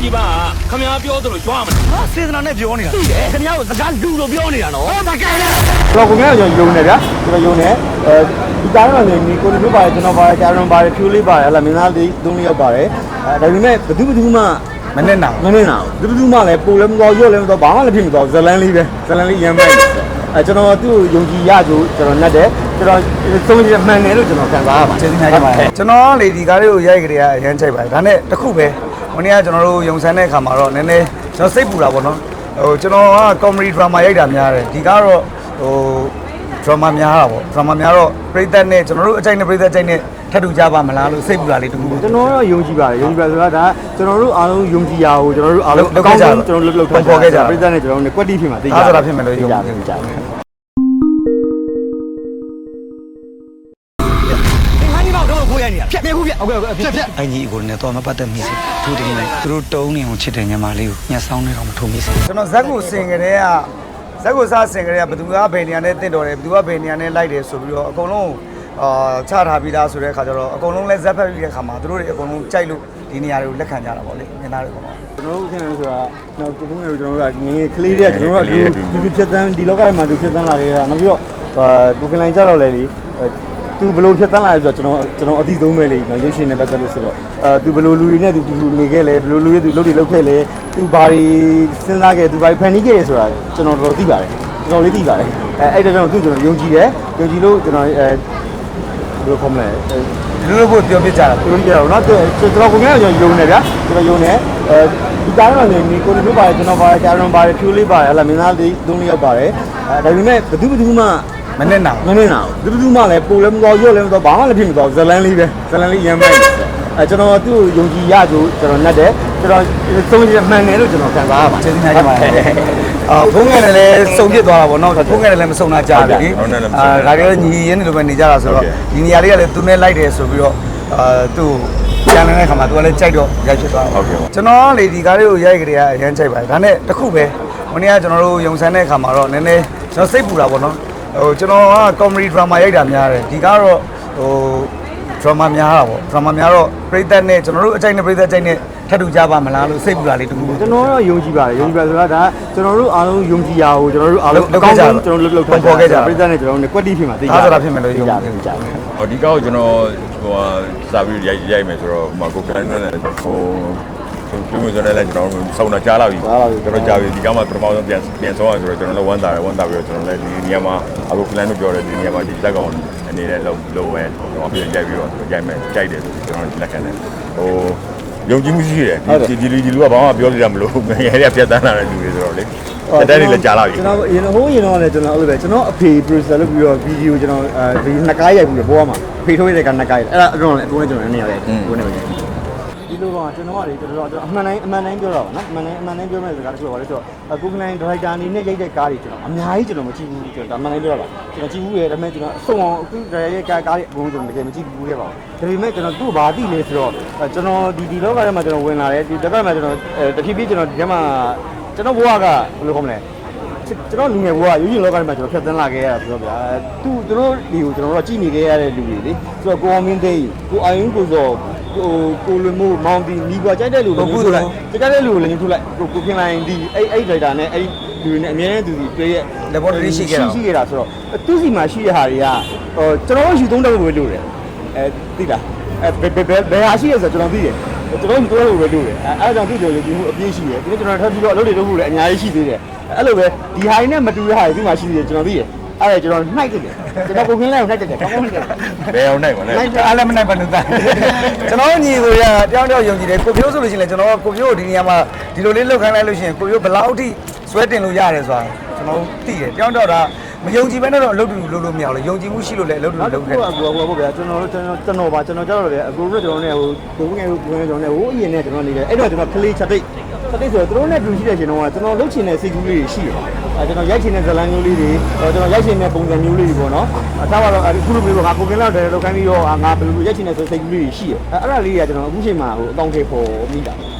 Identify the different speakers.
Speaker 1: ကြီးပါခမများပြောသလိုကြွားမလား
Speaker 2: ဟာစေတနာနဲ့ပြောနေတာခင်ဗျားကိုစကားလူလိုပြောနေတာနော်ဟုတ်ပါကဲ့
Speaker 3: တော့ကိုများကျွန်တော်ယုံနေဗျာကျွန်တော်ယုံနေဒီတိုင်းမှာနေကိုတို့ပါတယ်ကျွန်တော်ပါတယ်ဂျာရွန်ပါတယ်ဖြူလေးပါတယ်ဟလာမင်းသားလေး၃လေးယောက်ပါတယ်ဒါပေမဲ့ဘယ်သူမှမနဲ့နာဘူးဘယ်သူမှလည်းပိုလည်းမတော်ရွတ်လည်းမတော်ဘာမှလည်းဖြစ်မတော်ဇလန်းလေးပဲဇလန်းလေးရမ်းပဲကျွန်တော်သူ့ကိုယုံကြည်ရကြကျွန်တော်နဲ့တယ်ကျွန်တော်သုံးရမှန်တယ်လို့ကျွန်တော်ခံစားရပါ
Speaker 2: ကျေးဇူးများပါတယ်ကျွန်တော်လေဒီကားလေးကိုရိုက်ကြရအရင်ချိုက်ပါတယ်ဒါနဲ့တခုပဲဟိုနေ့ကကျွန်တော်တို့ယုံဆန်းတဲ့အခါမှာတော့နည်းနည်းကျွန်တော်စိတ်ပူတာပေါ့နော်ဟိုကျွန်တော်က comedy drama ရိုက်တာများတယ်ဒီကားတော့ဟို drama များတာပေါ့ drama များတော့ပရိသတ်နဲ့ကျွန်တော်တို့အကြိုက်နဲ့ပရိသတ်အကြိုက်နဲ့ထပ်တူကြပါမလားလို့စိတ်ပူတာလေးတခု
Speaker 3: ကျွန်တော်တော့ယုံကြည်ပါတယ်ဆိုတာဒါကျွန်တော်တို့အားလုံးယုံကြည်ရအောင်ကျွန်တော်တို့အားလုံးအကောင်းဆုံးကျွန်တော်တို့လှုပ်ထားကြပရိသတ်နဲ့ကျွန်တော်တို့ quality ဖြစ်မှာသိကြ
Speaker 2: အားဆိုတာဖြစ်မယ်လို့ယုံကြည်
Speaker 3: ကြတယ်
Speaker 2: ဖြတ်ပြခုပြဟုတ်ကဲ့ဖြတ်အင်ကြီးကိုလည်းတော့မပတ်သက်မိစေသူတင်နေသူတို့တုံးနေအောင်ချစ်တဲ့ညီမလေးကိုညှက်ဆောင်နေတော့မထုံမိစေကျွန်တော်ဇက်ကိုစင်ကြတဲ့ကဇက်ကိုစားစင်ကြတဲ့ကဘယ်သူကဘယ်နေရာနဲ့တင့်တော်တယ်ဘယ်သူကဘယ်နေရာနဲ့လိုက်တယ်ဆိုပြီးတော့အကုန်လုံးချထားပြီးသားဆိုတဲ့အခါကျတော့အကုန်လုံးလဲဇက်ဖက်ပြီးတဲ့အခါမှာသူတို့တွေအကုန်လုံးကြိုက်လို့ဒီနေရာတွေကိုလက်ခံကြတာပေါ့လေမြင်သားတွေကတော့
Speaker 3: ကျွန်တော်တို့ခင်ဗျားဆိုတာတော့ကိုယ်ကကျွန်တော်တို့ကငယ်ကလေးတွေကကျွန်တော်တို့ကဒီဖြစ်တန်းဒီလောကမှာသူဖြစ်တန်းလာခဲ့တာနောက်ပြီးတော့ကိုကလိုင်းကြတော့လေလေသူဘလို့ဖြစ်တန်းလာလဲဆိုတော့ကျွန်တော်အတိဆုံးပဲလေရုပ်ရှင်နဲ့ပတ်သက်လို့ဆိုတော့သူဘလို့လူတွေနဲ့သူနေခဲ့လဲဘလို့လူတွေသူလုပ်တွေလုပ်ခဲ့လဲသူဘာတွေစဉ်းစားခဲ့သူဘာတွေဖန်တီးခဲ့ဆိုတာကျွန်တော်တို့သိပါတယ်ကျွန်တော်လေးသိပါတယ်အဲ့ဒါကြောင့်သူကျွန်တော်ယုံကြည်တယ်ယုံကြည်လို့ကျွန်တော်ဘယ်လိုခေါ်မလဲ
Speaker 2: ဒီလိုကိုပြောပြကြတာ
Speaker 3: ပြောပြတော့เนาะကျွန်တော်ကိုများကျွန်တော်ယုံနေဗျာကျွန်တော်ယုံနေဒီတိုင်းမှာနေကိုတို့ပါတယ်ကျွန်တော်ပါတယ်ဂျာရွန်ပါတယ်ဖြူလေးပါတယ်ဟလာမင်းသားလေး၃လေးယောက်ပါတယ်ဒါပေမဲ့ဘယ်သူမှ
Speaker 2: မနဲ့နာ
Speaker 3: ဘူးဘယ်သူမှလည်းပိုလည်းမတော်ရွတ်လည်းမတော်ဘာမှလည်းဖြစ်မတော်ဇလန်းလေးပဲဇလန်းလေးရမ်းပဲကျွန်တော်သူ့ကိုယုံကြည်ရကြကျွန်တော်နဲ့တယ်ကျွန်တော်သုံးရမှန်တယ်လို့ကျွန်တော်ခံစားရပါ
Speaker 2: ကျေးဇူးများပါတယ်ဖုန်းငယ်နဲ့လည်းစုံပြစ်သွားတာပေါ့နော်ဖုန်းငယ်နဲ့လည်းမစုံတာကြားပြီလေဒါကြလည်းညီရင်းနေလိုပဲနေကြတာဆိုတော့ဒီနေရာလေးကလည်းသူနဲ့လိုက်တယ်ဆိုပြီးတော့သူ့ပြန်နေတဲ့ခါမှာသူကလည်းကြိုက်တော့ရိုက်ဖြစ်သွားတာကျွန်တော်လေဒီကားလေးကိုရိုက်ကြရအရင်ချိုက်ပါတယ်ဒါနဲ့တခုပဲဟိုနေ့ကကျွန်တော်တို့ယုံဆန်းတဲ့အခါမှာတော့နည်းနည်းကျွန်တော်စိတ်ပူတာပေါ့နော်ဟိုကျွန်တော်က comedy drama ရိုက်တာများတယ်ဒီကားတော့ဟို drama များတာပေါ့ drama များတော့ပရိသတ်နဲ့ကျွန်တော်တို့အကြိုက်နဲ့ပရိသတ်အကြိုက်နဲ့ထပ်တူကြပါမလားလို့စိတ်ပူတာလေးတခု
Speaker 3: ကျွန်တော်တော့ယုံကြည်ပါတယ်ဆိုတာဒါကျွန်တော်တို့အားလုံးယုံကြည်ရအောင်ကျွန်တော်တို့အားလုံးအကောင်းဆုံးကျွန်တော်လှုပ်ထားကြပရိသတ်နဲ့ကျွန်တော်တို့ quality ဖြစ်မှာသိကြ
Speaker 2: အားဆိုတာဖြစ်မယ်လို့ယုံကြည်
Speaker 1: ဟောဒီကောက်ကျွန်တော်ဟိုစာပြီးရိုက်မယ်ဆိုတော့ဟိုကိုကန်နဲ့ဟိုကျွန်တော်ဆိုလည်းကျွန်တော်စောင့်တာကြားလာပြီကျွန်တော်ကြားပြီဒီကမှပထမဆုံးပြန်ဆုံးအောင်ဆိုတော့ကျွန်တော်လည်းဝမ်းသာပြီးတော့ကျွန်တော်လည်းဒီနေရာမှာအခုကလန်တို့ပြောတယ်ဒီနေရာမှာဒီလက်ကောင်အနေနဲ့လုံးဝကျွန်တော်ပြန်ရိုက်ပြီးတော့ရိုက်မယ်ကြိုက်တယ်ဆိုကျွန်တော်လက်ခံတယ်ဟိုယုံကြည်မှုရှိတယ်ဒီလူကဘာမှပြောလို့ရမလို့ငယ်ရပြတ်တန်းလာတဲ့လူတွေဆိုတော့လေတက်တယ်လည်းကြားလာပြီ
Speaker 3: ကျွန်တော်ရင်တော့လည်းကျွန်တော်အဲ့လိုပဲကျွန်တော်အဖေ producer လုပ်ပြီးတော့ဗီဒီယိုကျွန်တော်ဒီနှစ်ကားရိုက်ပြီးတော့ပေါ်မှာဖေထိုးရတဲ့ကနှစ်ကားရိုက်အဲ့ဒါအတော့လည်းအတွင်းကျွန်တော်အနေနဲ့ကိုယ်နဲ့ပဲဒီလိုပါကျွန်တော်ကလေကျွန်တော်အမှန်တိုင်းပြောတာပါနော်အမှန်တိုင်းပြောမဲ့စကားတချို့ပါလေဆိုတော့ကိုကလိုင်းဒါရိုက်တာအနေနဲ့ရိုက်တဲ့ကားတွေကျွန်တော်အများကြီးကျွန်တော်မကြည့်ဘူးကျွန်တော်အမှန်တိုင်းပြောတာပါကျွန်တော်ကြည့်ဘူးရဲ့ဒါပေမဲ့ကျွန်တော်အဆုံးအောင်အခုဒါရိုက်ကားတွေအကုန်ကျွန်တော်တကယ်မကြည့်ဘူးရဲ့ပါဒါပေမဲ့ကျွန်တော်သူ့ဘာသိလဲဆိုတော့ကျွန်တော်ဒီလောကထဲမှာကျွန်တော်ဝင်လာတယ်ဒီလောကထဲမှာကျွန်တော်တဖြည်းဖြည်းကျွန်တော်ဒီထဲမှာကျွန်တော်ဘဝကဘယ်လိုခေါ်မလဲကျွန်တော်လူငယ်ဘဝရုပ်ရှင်လောကထဲမှာကျွန်တော်ဖြတ်သန်းလာခဲ့ရတာဆိုတော့ဗျာသူတို့ဒီကိုကျွန်တော်တို့ကြည့်နေခဲ့ရတဲ့လူတွေလေဆိုတော့ကိုအောင်မင်းသိန်းကိုအာယုံကိုစောကိုလွန်မို့မောင်တီမိကွာကြိုက်တဲ့လူလည်းထုတ်လိုက်ကြိုက်တဲ့လူကိုလည်းထုတ်လိုက်ကိုခင်လိုင်းဒီအဲ့ဒရိုက်တာနဲ့အဲ့လူတွေနဲ့အများနဲ့သူဒီတွေ့ရဲ့
Speaker 2: laboratory ရှိခဲ့
Speaker 3: တာဆိုတော့သူ့စီမှာရှိတဲ့ဟာတွေကကျွန်တော်ယူသုံးတဲ့ဘယ်လိုလဲသိလားဘယ်ဟာရှိရဲဆိုတော့ကျွန်တော်သိတယ်ကျွန်တော်ယူသုံးတဲ့ဘယ်လိုလဲအဲ့ဒါကြောင့်သူ့ကြော်ရည်မှုအပြည့်ရှိတယ်ဒီနေ့ကျွန်တော်ထပ်ပြီးတော့အလုပ်တွေလုပ်ဖို့လည်းအများကြီးရှိသေးတယ်အဲ့လိုပဲဒီဟာတွေနဲ့မတူတဲ့ဟာတွေဒီမှာရှိသေးတယ်ကျွန်တော်သိတယ်အဲ့ဒါကျွန်တော်နှိုက်တယ်ကျွန်တော်ကိုခင်းလိုက်ကိုနှိုက်တယ်ကောင်းကောင်းနှိုက်တယ်
Speaker 1: ဘယ်အောင်နှိုက်ပါလဲ
Speaker 2: အားလည်းမနှိုက်ပါနဲ့ကျွန်တော်ညီကိုရတယောက်ယုံကြည်တယ်ကိုပြိုးဆိုလို့ရှိရင်ကျွန်တော်ကိုပြိုးဒီနေရာမှာဒီလိုလေးလောက်ခိုင်းလိုက်လို့ရှိရင်ကိုပြိုးဘယ်လောက်ထိဆွဲတင်လို့ရတယ်ဆိုတာကျွန်တော်သိတယ်တယောက်ဒါမယုံကြည်ဘဲနဲ့တော့အလုပ်တူလုပ်လို့မရဘူးလေယုံကြည်မှုရှိလို့လည်းအလုပ်တူလုပ်ခဲ့တယ်
Speaker 3: ဟုတ်ဗျာကျွန်တော်ပါကျွန်တော်ကြောက်တော့လေအကိုတို့ကျွန်တော်နဲ့ဟိုကိုငယ်ကျွန်တော်နဲ့ဟိုအရင်နဲ့ကျွန်တော်နေတယ်အဲ့တော့ကျွန်တော်ကလေးချက်တိတ်ဆိုတော့သူတို့နဲ့တူရှိတဲ့ရှင်တော့ကျွန်တော်လုပ်ချင်တဲ့စိတ်ကူးလေးတွေရှိတယ်ကျွန်တော်ရိုက်ချင်တဲ့ဇာတ်လမ်းမျိုးလေးတွေကျွန်တော်ရိုက်ချင်တဲ့ပုံစံမျိုးလေးတွေပေါ့နော်အထားပါတော့အခုလိုမျိုးငါကိုကင်းလောက်တယ်လောက်ခိုင်းပြီးတော့ငါဘယ်လိုရိုက်ချင်တဲ့စိတ်ကူးလေးတွေရှိတယ်အဲ့ဒါလေးကကျွန်တော်အခုချိန်မှာဟိုအကောင့်ထဲပေါ်မိတာ